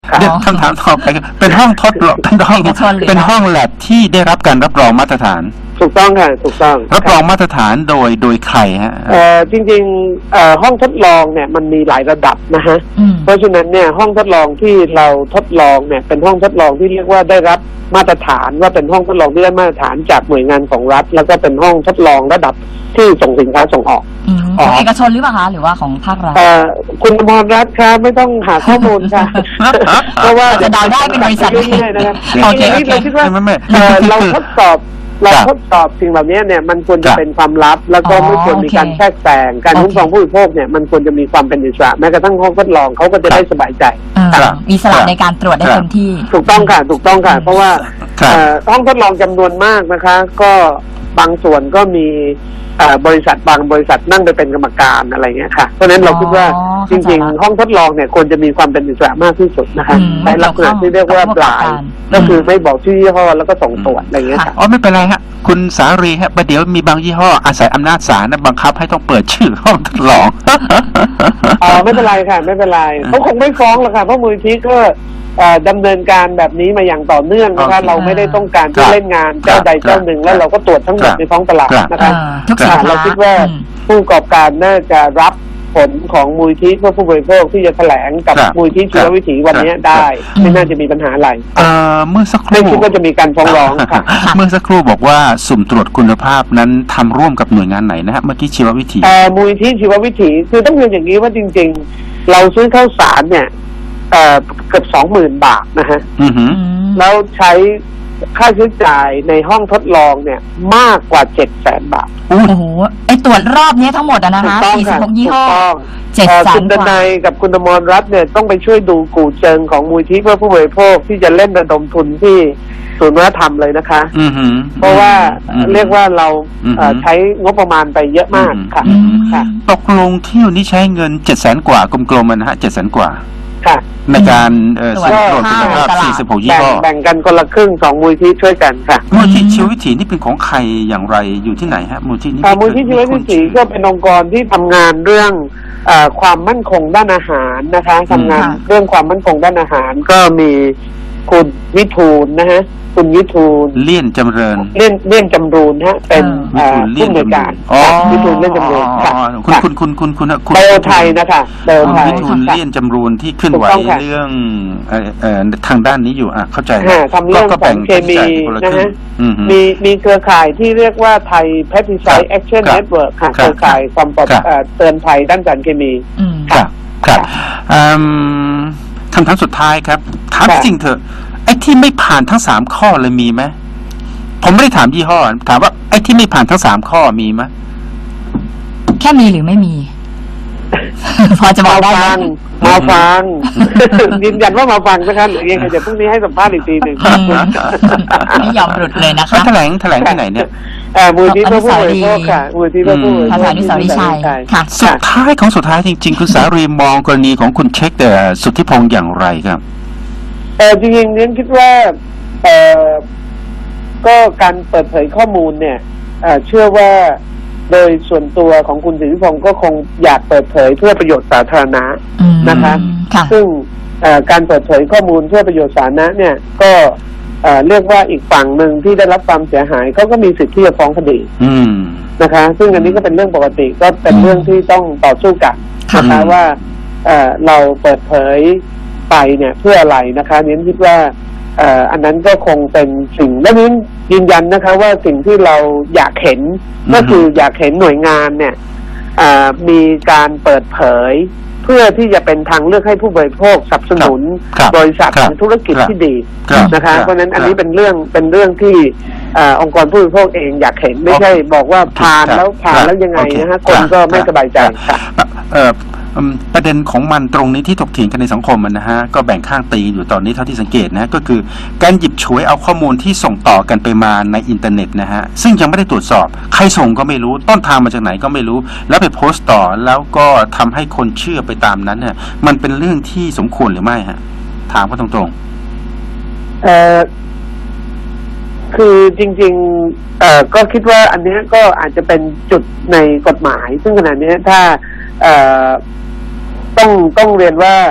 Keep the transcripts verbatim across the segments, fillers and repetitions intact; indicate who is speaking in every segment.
Speaker 1: เดี๋ยวคำถามต่อไปเป็นห้องทดลองเป็นห้องเป็นห้องแลบที่ได้รับการรับรองมาตรฐาน
Speaker 2: ถูกต้องค่ะถูกต้อง
Speaker 1: รับรองมาตรฐานโดยโดยใครฮะ
Speaker 2: เอ่อจริงๆเอ่อห้องทดลองเนี่ยมันมีหลายระดับนะฮะเพราะฉะนั้นเนี่ยห้องทดลองที่เราทดลองเนี่ยเป็นห้องทดลองที่เรียกว่าได้รับมาตรฐานว่าเป็นห้องทดลองที่ได้มาตรฐานจากหน่วยงานของรัฐแล้วก็เป็นห้องทดลองระดับที่ส่งสินค้าส่งออก
Speaker 3: ของเอกชนหรือเปล่าคะหรือว่าของภาครัฐ
Speaker 2: เอ่อคุณอมรรัตน์คะไม่ต้องหาข้อมูลค่ะเพราะว่า
Speaker 3: จะเดาได้เป็นบริษัท
Speaker 2: ง่ายๆนะครับทีนี้เราคิดว่าเราทดสอบเราทดสอบสิ่งเหล่านี้เนี่ยมันควรจะเป็นความลับแล้วก็ไม่ควรมีการแทรกแซงการคุ้มครองผู้บริโภคเนี่ยมันควรจะมีความเป็นอิสระแม้กระทั่งห้องทดลองเขาก็จะได้สบายใจ
Speaker 3: มีอิสระในการตรวจได้เต็มที่
Speaker 2: ถูกต้องค่ะถูกต้องค่ะเพราะว่าห้องทดลองจำนวนมากนะคะก็บางส่วนก็มีบริษัทบางบริษัทนั่งไปเป็นกรรมการอะไรเงี้ยค่ะเพราะฉะนั้นเราคิดว่าจริงๆห้องทดลองเนี่ยควรจะมีความเป็นอิสระมากที่สุดนะคะในลักษณะที่เรียกว่าปลายก็คือไม่บอกชื่อยี่ห้อแล้วก็ส่งตรวจอะไรเงี้ยค่ะ
Speaker 1: อ๋อไม่เป็นไรฮะคุณสารีฮะประเดี๋ยวมีบางยี่ห้ออาศัยอำนาจศาลนะบังคับให้ต้องเปิดชื่อห้องทดลอง
Speaker 2: อ๋อไม่เป็นไรค่ะไม่เป็นไรเขาคงไม่ฟ้องหรอกค่ะเพราะมูลนิธิก็ดำเนินการแบบนี้มาอย่างต่อเนื่องนะคะเราไม่ได้ต้องการที่เล่นงานเจ้าใดเจ้าหนึ่งแล้วเราก็ตรวจทั้งหมดในท้องตลาดนะคะเราคิดว่าผู้ประกอบการน่าจะรับผลของมูลนิธิเพื่อผู้บริโภคที่จะแถลงกับมูลนิธิชีววิถีวันนี้ได้ไม่น่าจะมีปัญหาอะไร
Speaker 1: เมื่อสักครู่
Speaker 2: ไม่คิดว่าจะมีการฟ้องร้องค่ะ
Speaker 1: เมื่อสักครู่บอกว่าสุ่มตรวจคุณภาพนั้นทำร่วมกับหน่วยงานไหนนะฮะเมื่อกี้ชีววิถี
Speaker 2: มูลนิธิชีววิถีคือต้องเรียนอย่างนี้ว่าจริงๆเราซื้อข้าวสารเนี่ยเอ่อเกือบสองหมื่นบาทนะฮะแล้วใช้ค่าใช้จ่ายในห้องทดลองเนี่ยมากกว่าเจ็ดแสนบาท
Speaker 3: โอ้โหไอตรวจรอบนี้ทั้งหมดอะนะคะสี่สิบหกยี่ห้อ
Speaker 2: เจ็ดแสนคุณดนัยกับคุณอมรรัตน์เนี่ยต้องไปช่วยดูกู่เจิงของมูลที่เพื่อผู้บริโภคที่จะเล่นระดมทุนที่ศูนย์วัฒนธรรมเลยนะคะเพราะว่าเรียกว่าเราใช้งบประมาณไปเยอะมากค่ะ
Speaker 1: ตกลงเที่ยวนี้ใช้เงินเจ็ดแสนกว่ากลมๆนะฮะเจ็ดแสนกว่า
Speaker 2: ค่ะ
Speaker 1: ในการสุ่มตรวจคุณภาพสี่สิบหกยี่ห้อ
Speaker 2: แบ่งกันคนละครึ่งสองมูลที่ช่วยกันค่ะ
Speaker 1: มูลที่ชีววิถีนี่เป็นของใครอย่างไรอยู่ที่ไหนฮะมูลที่นี้
Speaker 2: มูลที่ชีววิถีก็เป็นองค์กรที่ทำงานเรื่องความมั่นคงด้านอาหารนะคะทำงานเรื่องความมั่นคงด้านอาหารก็มีคุณวิทูลนะฮะคุณวิทูล
Speaker 1: เลี่ยนจำเริญ
Speaker 2: เลี่ยนเลี่ยนจำรูนฮะเป็นผู้อำนวยการวิทูลเลี่ยนจำรูนค่ะ
Speaker 1: คุณคุณคุณคุณคุณ
Speaker 2: คุณเบลไทยนะคะเบลไทย
Speaker 1: วิทูลเลี่ยนจำรูนที่ขึ้นไหวเรื่องเอ่อทางด้านนี้อยู่อ่ะเข้าใจ
Speaker 2: ทำเรื่องของเคมีนะฮะมีมีเครือข่ายที่เรียกว่าไทย Pesticide Action Network ค่ะเครือข่ายความปลอดเตือนภัยด้านสารเคมี
Speaker 1: ครับครับคำถามสุดท้ายครับถามจริงเถอะไอ้ที่ไม่ผ่านทั้งสามข้อเลยมีไหมผมไม่ได้ถามยี่ห้อถามว่าไอ้ที่ไม่ผ่านทั้งสามข้อมีไหม
Speaker 3: แค่มีหรือไม่มี พอจะบอกได้ไหม
Speaker 2: มาฟังยืนยันว่ามาฟังนะคะหรือยังไงเดี๋ยวพรุ่งนี้ให้สัมภาษณ์อีกทีหนึ่ง
Speaker 3: ไม่ยอมหลุดเลยนะคะ
Speaker 1: แถลงแถลงที่ไหนเนี่ย
Speaker 2: มูลที่เพื่อผู้บริโภคค่ะมูลที่เพื่อผู้บริโภค
Speaker 3: ภาษาดิสาริชัย
Speaker 1: ค่ะสุดท้ายของสุดท้ายจริงๆคุณสารีมองกรณีของคุณเช็คแต่สุทธิพงษ์อย่างไรครับ
Speaker 2: เออจริงๆเนี่ยคิดว่าเออก็การเปิดเผยข้อมูลเนี่ยเชื่อว่าโดยส่วนตัวของคุณสิทธิพงศ์ก็คงอยากเปิดเผยเพื่อประโยชน์สาธารณะนะคะซึ่งการเปิดเผยข้อมูลเพื่อประโยชน์สาธารณะเนี่ยก็เรียกว่าอีกฝั่งหนึ่งที่ได้รับความเสียหายเขาก็มีสิทธิ์ที่จะฟ้องคดีนะคะซึ่งอันนี้ก็เป็นเรื่องปกติก็เป็นเรื่องที่ต้องต่อสู้กันนะคะว่าเราเปิดเผยไปเนี่ยเพื่ออะไรนะคะเน้นคิดว่าอันนั้นก็คงเป็นสิ่งและนี้ยืนยันนะคะว่าสิ่งที่เราอยากเห็นก็คืออยากเห็นหน่วยงานเนี่ยมีการเปิดเผยเพื่อที่จะเป็นทางเลือกให้ผู้บริโภคสนับสนุนบริษัทธุรกิจที่ดีนะคะเพราะฉะนั้นอันนี้เป็นเรื่องเป็นเรื่องที่องค์กรผู้บริโภคเองอยากเห็นไม่ใช่บอกว่าผ่านแล้วผ่านแล้วยังไงนะฮะคนก็ไม่สบายใจค่ะ
Speaker 1: ประเด็นของมันตรงนี้ที่ถกเถียงกันในสังคมมันนะฮะก็แบ่งข้างตีอยู่ตอนนี้เท่าที่สังเกตนะก็คือการหยิบฉวยเอาข้อมูลที่ส่งต่อกันไปมาในอินเทอร์เน็ตนะฮะซึ่งยังไม่ได้ตรวจสอบใครส่งก็ไม่รู้ต้นทางมาจากไหนก็ไม่รู้แล้วไปโพสต์ต่อแล้วก็ทำให้คนเชื่อไปตามนั้นเนี่ยมันเป็นเรื่องที่สมควรหรือไม่ฮะถามเขาตรง
Speaker 2: ๆเอ่อคือจริงๆเอ่อก็คิดว่าอันนี้ก็อาจจะเป็นจุดในกฎหมายซึ่งขณะนี้ถ้าเอ่อต้องต้องเรียนว่า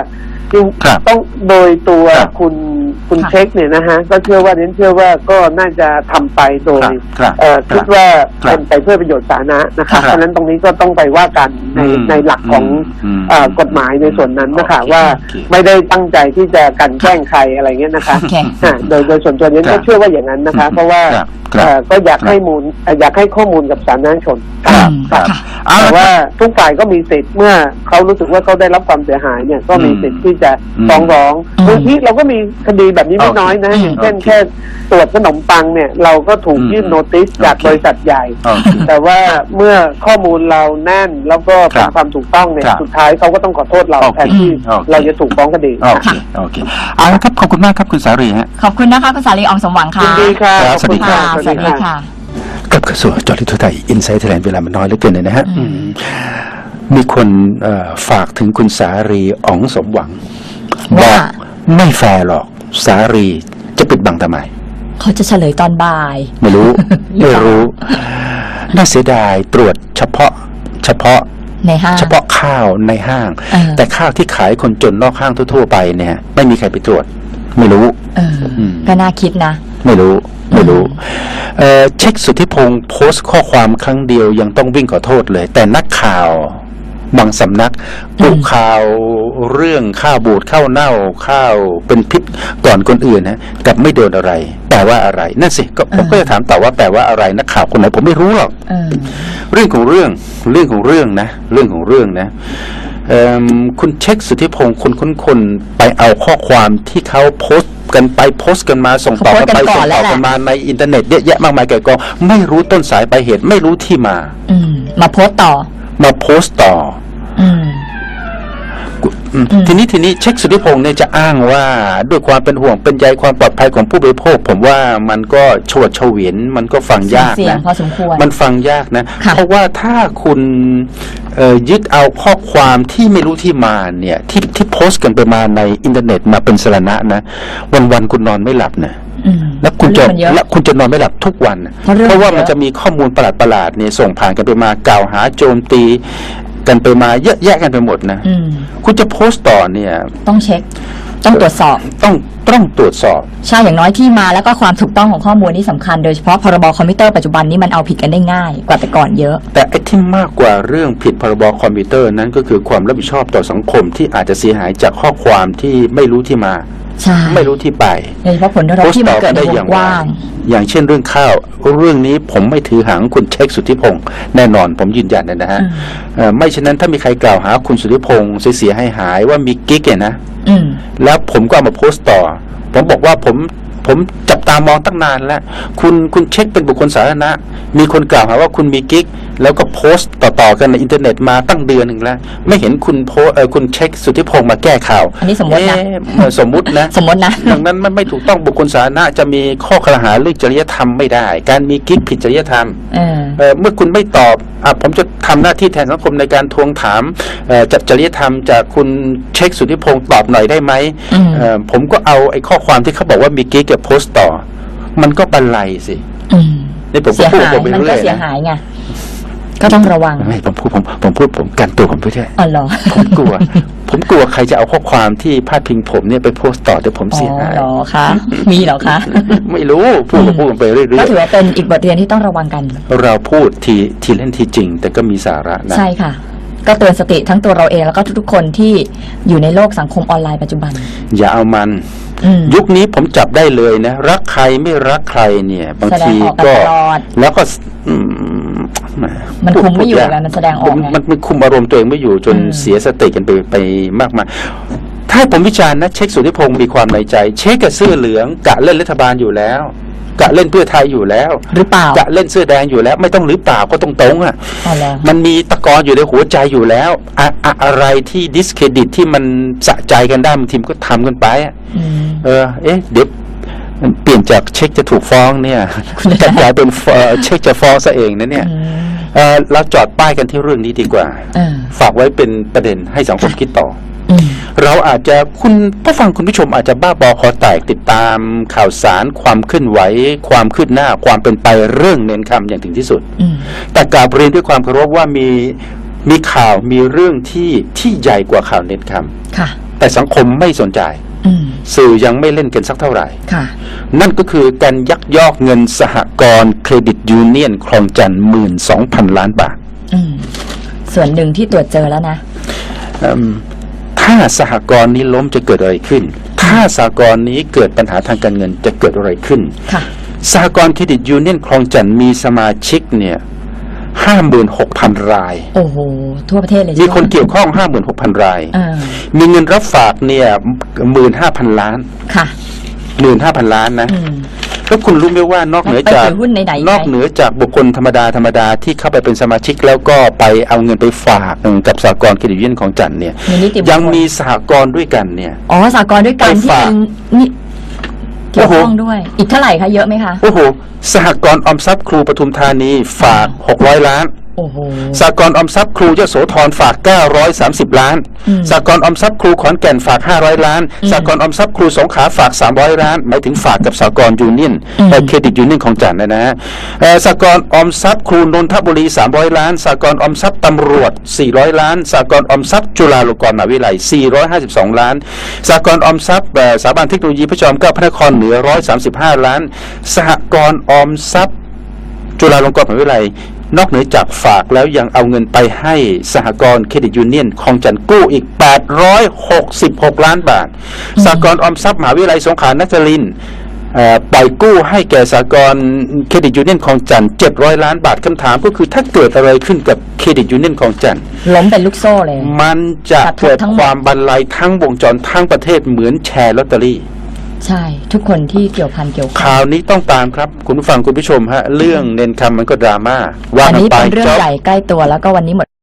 Speaker 2: จึง
Speaker 1: ครับ
Speaker 2: ต้องโดยตัว
Speaker 1: ครับ
Speaker 2: คุณคุณ
Speaker 3: ค่ะ
Speaker 2: เช็คเนี่ยนะฮะก็เชื่อว่าเน้นเชื่อว่าก็น่าจะทำไปโดย
Speaker 1: ครับ
Speaker 2: เอ่อ
Speaker 1: ครับ
Speaker 2: คิดว่า
Speaker 1: ครับ
Speaker 2: เป็นไปเพื่อประโยชน์สาธารณะนะ
Speaker 1: ครั
Speaker 2: คะ
Speaker 1: บ
Speaker 2: เพราะฉะนั้นตรงนี้ก็ต้องไปว่ากันใน
Speaker 1: อืม
Speaker 2: ในหลักของ
Speaker 1: อืม
Speaker 2: เอ่อกฎหมายในส่วนนั้นนะคะ
Speaker 1: โอเค
Speaker 2: ว่า
Speaker 1: โอเค
Speaker 2: ไม่ได้ตั้งใจที่จะกลันแกล้งใครอะไรเงี้ยนะคะ
Speaker 3: โอเค
Speaker 2: อ่าโดยโดยส่วนตัวเนี้
Speaker 1: ครั
Speaker 2: ก็
Speaker 1: บ
Speaker 2: เชื่อว่าอย่างนั้นนะคะ เพราะว่า
Speaker 1: ครับครับ
Speaker 2: เอ่อก็อยาก
Speaker 1: ครับ
Speaker 2: ให้มูลเอ่ออยากให้ข้อมูลกับสาธารณชน
Speaker 1: ครับ
Speaker 2: ครับ
Speaker 3: ค่ะ
Speaker 1: เอา
Speaker 2: แต่
Speaker 1: ละ
Speaker 2: ว่าทุกฝ่ายก็มีสิทธิ์เมื่อเขารู้สึกว่าเขาได้รับความเสียหายเนี่ยก็มีสิทธิ์ที่จะ
Speaker 1: อืม
Speaker 2: ฟ้องร้อง
Speaker 3: อืม
Speaker 2: บางทีเราก็มีคดีแบบนี้ไม่
Speaker 1: โอเค
Speaker 2: น้อยนะ
Speaker 3: อืม
Speaker 2: อย่างเช่น
Speaker 1: โอเค
Speaker 2: แค่ตรวจขนมปังเนี่ยเราก็ถูก
Speaker 1: อืม
Speaker 2: ยื่นโนติสจาก
Speaker 1: โอเค
Speaker 2: บริษัทใหญ่
Speaker 1: โอเค
Speaker 2: แต่ว่าเมื่อข้อมูลเราแน่นแล้วก็เป็
Speaker 1: คน รับ
Speaker 2: ความถูกต้องเนี่ย
Speaker 1: ครับ
Speaker 2: สุดท้ายเขาก็ต้องขอโทษเรา
Speaker 1: โอเค
Speaker 2: แทนที่
Speaker 1: โอเค
Speaker 2: เราจะถูกฟ้องคดี
Speaker 1: โอเคโอเคเอาละครับขอบคุณมากครับคุณสารีฮะ
Speaker 3: ขอบคุณนะคะคุณสาลีอองสมหวังค่ะ
Speaker 2: ยินดีค่ะ
Speaker 1: ครับ
Speaker 2: ขอบคุณ
Speaker 1: สวัสดี
Speaker 2: ค่ะ
Speaker 3: ค่ะสวัสดีค่ะ
Speaker 1: กลับกระทรวงจอริทุไทยอินไซต์ไทยแลนด์เวลามันน้อยเหลือเกินเลยนะฮะ
Speaker 3: อืม
Speaker 1: อืมมีคนเอ่อฝากถึงคุณสารีอ๋องสมหวังบ
Speaker 3: ว่า
Speaker 1: อกไม่แฟร์หรอกสารีจะปิดบังทำไม
Speaker 3: เขาจะเฉลยตอนบ่าย
Speaker 1: ไม่รู้
Speaker 3: หรือ
Speaker 1: ไม่
Speaker 3: เปล่า
Speaker 1: รู้ น่าเสียดายตรวจเฉพาะ เฉพาะ
Speaker 3: ในห้าง
Speaker 1: เฉพาะข้าวในห้าง
Speaker 3: เออ
Speaker 1: แต่ข้าวที่ขายคนจนนอกห้างทั่วๆไปเนี่ย ไม่มีใครไปตรวจ ไม่รู้
Speaker 3: เอออ
Speaker 1: ม
Speaker 3: ก็น่าคิดนะ
Speaker 1: ไม่รู้ ไม่รู้เอ่อเช็คสุทธิพงศ์โพสต์ข้อความครั้งเดียวยังต้องวิ่งขอโทษเลย แต่นักข่าวบางสำนักปลุกข่าวเรื่องข้าวบูดข้าวเน่าข้าวเป็นพิษก่อนคนอื่นนะกลับไม่โดนอะไร แปลว่าอะไรนั่นสิก็ผม
Speaker 3: เออ
Speaker 1: ก็จะถามต่อว่าแปลว่าอะไรนักข่าวคนไหนผมไม่รู้หรอก
Speaker 3: เออ
Speaker 1: เรื่องของเรื่องเรื่องของเรื่องนะ เรื่องของเรื่องนะเอิ่มคุณเช็คสุทธิพงศ์คนคนคนไปเอาข้อความที่เขาโพสต์กันไปโพสต์กันมาส่งต่อกันไป
Speaker 3: เขาโพสต์กันก่
Speaker 1: ส่
Speaker 3: อน
Speaker 1: ง
Speaker 3: แล้
Speaker 1: ต่
Speaker 3: ว
Speaker 1: อ
Speaker 3: แหละ
Speaker 1: กันมาในอินเทอร์เน็ตเยอะแยะมากมายแก่กองไม่รู้ต้นสายปลายเหตุไม่รู้ที่มา
Speaker 3: อืม มาโพสต์ต่อ
Speaker 1: มาโพสต์ต่อ
Speaker 3: อืม
Speaker 1: อืม
Speaker 3: อืม
Speaker 1: ทีนี้ทีนี้เช็คสุทธิพงศ์เนี่ยจะอ้างว่าด้วยความเป็นห่วงเป็นใยความปลอดภัยของผู้บริโภค ผมว่ามันก็โฉดเฉวียนมันก็ฟังยาก
Speaker 3: เสียง
Speaker 1: นะ
Speaker 3: พอสมควร
Speaker 1: มันฟังยากนะ
Speaker 3: ค่ะ
Speaker 1: เพราะว่าถ้าคุณเอ่อยึดเอาข้อความที่ไม่รู้ที่มาเนี่ย ที่ที่โพสต์กันไปมาในอินเทอร์เน็ตมาเป็นสาระนะ วันๆคุณนอนไม่หลับนะ
Speaker 3: อืม
Speaker 1: แล้วคุณจะ
Speaker 3: เรื่องมันเยอะ
Speaker 1: และคุณจะนอนไม่หลับทุกวันนะ
Speaker 3: เพราะเรื่อง
Speaker 1: เพราะว่า
Speaker 3: มันเยอะ
Speaker 1: มันจะมีข้อมูลประหลาดๆเนี่ยส่งผ่านกันไปมากล่าวหาโจมตีกันไปมาเยอะแยะกันไปหมดนะ
Speaker 3: อืม
Speaker 1: คุณจะโพสต์ต่อเนี่ย
Speaker 3: ต้องเช็ค ต้องตรวจสอบ
Speaker 1: ต้องต้องตรวจสอบ
Speaker 3: ใช่ อย่างน้อยที่มาแล้วก็ความถูกต้องของข้อมูลนี่สำคัญ โดยเฉพาะพรบคอมพิวเตอร์ปัจจุบันนี้มันเอาผิดกันได้ง่ายกว่าแต่ก่อนเยอะ
Speaker 1: แต่ไอ้ที่มากกว่าเรื่องผิดพรบคอมพิวเตอร์นั้นก็คือความรับผิดชอบต่อสังคมที่อาจจะเสียหายจากข้อความที่ไม่รู้ที่มา
Speaker 3: ใช่
Speaker 1: ไม่รู้ที่ไป
Speaker 3: โดยเฉพาะผลกระทบที่มันเกิดในวงกว้าง
Speaker 1: อย่างเช่นเรื่องข้าว เรื่องนี้ผมไม่ถือหางคุณเช็คสุทธิพงศ์แน่นอนผมยืนยันนะฮะ
Speaker 3: อืม
Speaker 1: เอ่อไม่เช่นนั้นถ้ามีใครกล่าวหาคุณสุทธิพงศ์เสียหายหายๆว่ามีกิ๊กเนี่ยนะ
Speaker 3: อืม
Speaker 1: แล้วผมก็เอามาโพสต์ต่อ ผมบอกว่าผมผมจับตามองตั้งนานแล้ว คุณคุณเช็คเป็นบุคคลสาธารณะ มีคนกล่าวหาว่าคุณมีกิ๊ก แล้วก็โพสต์ต่อๆกันในอินเทอร์เน็ตมาตั้งเดือนหนึ่งแล้ว ไม่เห็นคุณโพสเออคุณเช็คสุทธิพงศ์มาแก้ข่าว
Speaker 3: อันนี้สมมตินะ
Speaker 1: เอ๊เอ่อสมมุตินะ
Speaker 3: สมมตินะ
Speaker 1: ดังนั้นมันไม่ถูกต้องบุคคลสาธารณะจะมีข้อกล่าวหาเรื่องจริยธรรมไม่ได้ การมีกิ๊กผิดจริยธรรม
Speaker 3: เออ
Speaker 1: เอ่อเมื่อคุณไม่ตอบอ่ะผมจะทำหน้าที่แทนสังคมในการทวงถามเอ่อจากจริยธรรมจากคุณเช็คสุทธิพงศ์ตอบหน่อยได้ไหม
Speaker 3: อืม
Speaker 1: เอ่อผมก็เอาไอ้ข้อความที่เขาบอกว่ามีกิ๊กกับโพสต์ต่อ มันก็บันไลสิ
Speaker 3: อืม
Speaker 1: นี่ผมก็
Speaker 3: เสีย
Speaker 1: พูด
Speaker 3: หาย
Speaker 1: ผมไป
Speaker 3: มัน
Speaker 1: เรื่
Speaker 3: ก็
Speaker 1: อย
Speaker 3: เสีย
Speaker 1: นะ
Speaker 3: หายไง ก็ต้องระวัง
Speaker 1: ไม่ผมพูดผมผมพูดผมกันตัวผมไปด้วย
Speaker 3: อ๋อเหรอ
Speaker 1: ผมกลัว ผมกลัวใครจะเอาข้อความที่พาดพิงผมเนี่ยไปโพสต์ต่อเดี๋ยวผม
Speaker 3: อ๋อ
Speaker 1: เสียหาย
Speaker 3: เหรอคะ มีเหรอคะ
Speaker 1: ไม่รู้พูดก็พูดไปเรื่
Speaker 3: ก็
Speaker 1: อย
Speaker 3: ถือว่าเป็นอีกบทเรียนที่ต้องระวังกัน
Speaker 1: ๆเราพูดทีทีเล่นทีจริง แต่ก็มีสาระนะ
Speaker 3: ใช่ค่ะ ก็เตือนสติทั้งตัวเราเองแล้วก็ทุกๆคนที่อยู่ในโลกสังคมออนไลน์ปัจจุบัน
Speaker 1: อย่าเอามัน
Speaker 3: อืม
Speaker 1: ยุคนี้ผมจับได้เลยนะ รักใครไม่รักใครเนี่ย บางที
Speaker 3: แสดงออกกัน
Speaker 1: ก็
Speaker 3: ตลอด
Speaker 1: แล้วก็อืม
Speaker 3: มันคุมไม่อยู่
Speaker 1: พูด
Speaker 3: ไงมันแสดงออกไง
Speaker 1: มันมันคุมอารมณ์ตัวเองไม่อยู่จน
Speaker 3: อืม
Speaker 1: เสียสติกันไปไปมากมายถ้าให้ผมวิจารณ์นะเช็คสุทธิพงศ์มีความในใจ เช็คกับเสื้อเหลืองกะเล่นรัฐบาลอยู่แล้ว กะเล่นเพื่อไทยอยู่แล้ว
Speaker 3: หรือเปล่าก
Speaker 1: ะเล่นเสื้อแดงอยู่แล้ว ไม่ต้องหรือเปล่าก็ตรงตรงๆอ่ะ
Speaker 3: อ๋อเหรอ
Speaker 1: มันมีตะกอนอยู่ในหัวใจอยู่แล้วอะอะอะไรที่ดิสเครดิตที่มันสะใจกันได้บางทีมก็ทำกันไปอะ
Speaker 3: อืม
Speaker 1: เออ เอ๊ะ เดี๋ยวเปลี่ยนจากเช็คจะถูกฟ้องเนี่ย
Speaker 3: คุณจะ
Speaker 1: จะกลายเป็นเอ่อเช็คจะฟ้องซะเองนะเนี่ย
Speaker 3: อืม
Speaker 1: เออเราจอดป้ายกันที่เรื่องนี้ดีกว่า
Speaker 3: เออ
Speaker 1: ฝากไว้เป็นประเด็นให้สังคมคิดต่อ
Speaker 3: อืม
Speaker 1: เราอาจจะคุณผู้ฟังคุณผู้ชมอาจจะบ้าบอคอแตกติดตามข่าวสารความเคลื่อนไหว ความคืบหน้าความเป็นไปเรื่องเน้นคำอย่างถึงที่สุด
Speaker 3: อืม
Speaker 1: แต่กราบเรียนด้วยความเคารพว่ามีมีข่าวมีเรื่องที่ที่ใหญ่กว่าข่าวเน้นคำ
Speaker 3: ค่ะ
Speaker 1: แต่สังคมไม่สนใจ
Speaker 3: อืม
Speaker 1: สื่อยังไม่เล่นกันสักเท่าไหร่
Speaker 3: ค่ะ
Speaker 1: นั่นก็คือการยักยอกเงินสหกรณ์เครดิตยูเนียนคลองจันทร์หมื่นสองพันล้านบาท
Speaker 3: อืม ส่วนหนึ่งที่ตรวจเจอแล้วนะ
Speaker 1: อืมถ้าสหกรณ์นี้ล้มจะเกิดอะไรขึ้น ถ้าสหกรณ์นี้เกิดปัญหาทางการเงินจะเกิดอะไรขึ้น
Speaker 3: ค่ะ
Speaker 1: สหกรณ์เครดิตยูเนียนคลองจันทร์มีสมาชิกเนี่ยห้าหมื่นหกพันราย
Speaker 3: โอ้โห ทั่วประเทศเลย
Speaker 1: มีคน
Speaker 3: ใช่ไห
Speaker 1: เกี่ยวข้องห้าหมื่นหกพันราย
Speaker 3: เออ
Speaker 1: มีเงินรับฝากเนี่ยหมื่นห้าพันล้าน
Speaker 3: ค่ะ
Speaker 1: หมื่นห้าพันล้านนะ
Speaker 3: อืม
Speaker 1: แล้วคุณรู้ไหมว่านอกเหนือจาก
Speaker 3: ไปถือหุ้นไหนๆ
Speaker 1: นอกเหนือจากบุคคลธรรมดาธรรมดาที่เข้าไปเป็นสมาชิกแล้วก็ไปเอาเงินไปฝากกับสหกรณ์เครดิตยูเนียนของจันทร์เนี่ย
Speaker 3: มีนิติบุคคล
Speaker 1: ยังมีสหกรณ์ด้วยกันเนี่ย
Speaker 3: อ๋อสากลด้วยกัน
Speaker 1: ไป
Speaker 3: ที่
Speaker 1: ฝาก
Speaker 3: เป็นนี่เกี่ยวข้องด้วย อีกเท่าไหร่คะเยอะไหมคะ
Speaker 1: โอ้โหสหกรณ์ออมทรัพย์ครูปทุมธานีฝากหกร้อยล้าน
Speaker 3: โอ้โห
Speaker 1: สหกรณ์ออมทรัพย์ครูยโสธรฝากเก้าร้อยสามสิบล้าน
Speaker 3: อืม
Speaker 1: สหกรณ์ออมทรัพย์ครูขอนแก่นฝากห้าร้อยล้าน
Speaker 3: อืม
Speaker 1: สหกรณ์ออมทรัพย์ครูสงขลาฝากสามร้อยล้านหมายถึงฝากกับสหกรณ์ยูเนียน
Speaker 3: อืม
Speaker 1: เอ่อเครดิตยูเนียนของจันทร์นะฮะเอ่อสหกรณ์ออมทรัพย์ครูนนทบุรีสามร้อยล้านสหกรณ์ออมทรัพย์ตำรวจสี่ร้อยล้านสหกรณ์ออมทรัพย์จุฬาลงกรณ์มหาวิทยาลัยสี่ร้อยห้าสิบสองล้านสหกรณ์ออมทรัพย์เอ่อสถาบันเทคโนโลยีพระจอมเกล้าพระนครเหนือหนึ่งร้อยสามสิบห้าล้านสหกรณ์ออมทรัพย์จุฬาลงกรณ์มหาวิทยาลัยนอกเหนือจากฝากแล้วยังเอาเงินไปให้สหกรณ์เครดิตยูเนียนคลองจันทร์กู้อีกแปดร้อยหกสิบหกล้านบาทสหกรณ์ออมทรัพย์มหาวิทยาลัยสงขลานครินทร์เอ่อปล่อยกู้ให้แก่สหกรณ์เครดิตยูเนียนคลองจันทร์เจ็ดร้อยล้านบาทคำถามก็คือถ้าเกิดอะไรขึ้นกับเครดิตยูเนียนคลองจันทร์
Speaker 3: ล้มเป็นลูกโซ่เลย
Speaker 1: มันจะ
Speaker 3: กระทบ
Speaker 1: เกิด
Speaker 3: ทั้งหมด
Speaker 1: ความบรรลัยทั้งวงจรทั้งประเทศเหมือนแชร์ลอตเตอรี่
Speaker 3: ใช่ ทุกคนที่เกี่ยวพันเกี่ยวข้อง
Speaker 1: ข่าวนี้ต้องตามครับคุณผู้ฟังคุณผู้ชมฮะเรื่องเน้นคำมันก็ดราม่าว่า
Speaker 3: อัน
Speaker 1: กัน
Speaker 3: นี้
Speaker 1: ไป
Speaker 3: เป็นเรื่อง
Speaker 1: จบ
Speaker 3: ใหญ่ใกล้ตัวแล้วก็วันนี้หมด